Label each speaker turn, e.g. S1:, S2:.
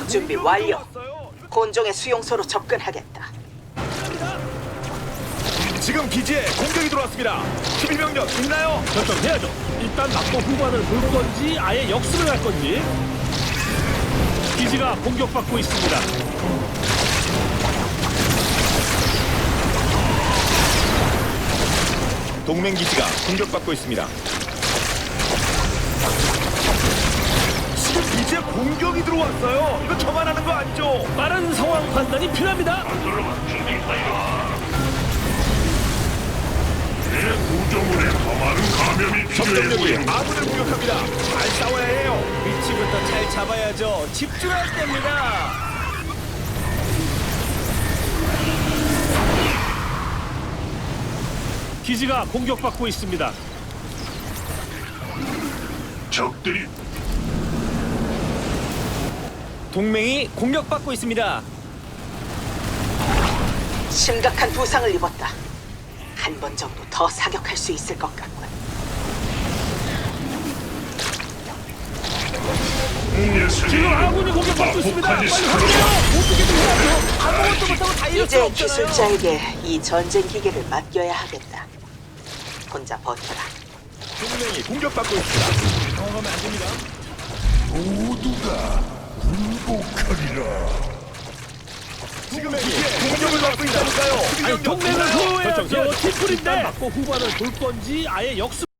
S1: 준비 완료. 곤종의 수용소로 접근하겠다.
S2: 지금 기지에 공격이 들어왔습니다. 수비 병력 있나요?
S3: 결정해야죠. 일단 막고 후반을 볼 건지 아예 역습을 할 건지. 기지가 공격받고 있습니다.
S2: 동맹 기지가 공격받고 있습니다. 지금 기지에 공격이 들어왔어요. 이거 저만 하는 거 아니죠?
S3: 빠른 상황 판단이 필요합니다.
S4: 내 구조물에 더 많은 감염이 필요해
S2: 적병력이
S4: 보인다.
S2: 아군을 공격합니다. 잘 싸워야 해요.
S5: 위치부터 잘 잡아야죠. 집중할 때입니다.
S3: 기지가 공격받고 있습니다.
S4: 적들이
S5: 동맹이 공격받고 있습니다.
S1: 심각한 부상을 입었다. 한 번 정도 더 사격할 수 있을 것 같군.
S3: 지금 아군이 공격받고 있습니다. 빨리 확인해요. 어떻게든 해야죠.
S5: 아무것도 못하고 다 이럴 수
S1: 이제
S5: 없잖아요.
S1: 기술자에게 이 전쟁 기계를 맡겨야 하겠다. 혼자 버텨라.
S2: 동맹이 공격받고 있습니다.
S5: 당황하면 안 됩니다.
S4: 모두가 굴복하리라.
S2: 지금 기지에 공격을 받고 있다니까요. 수비
S3: 아니,
S2: 병력
S3: 동맹을
S2: 있나요?
S3: 보호해야죠. 팀플인데 막고 후반을 볼 건지 아예 역습.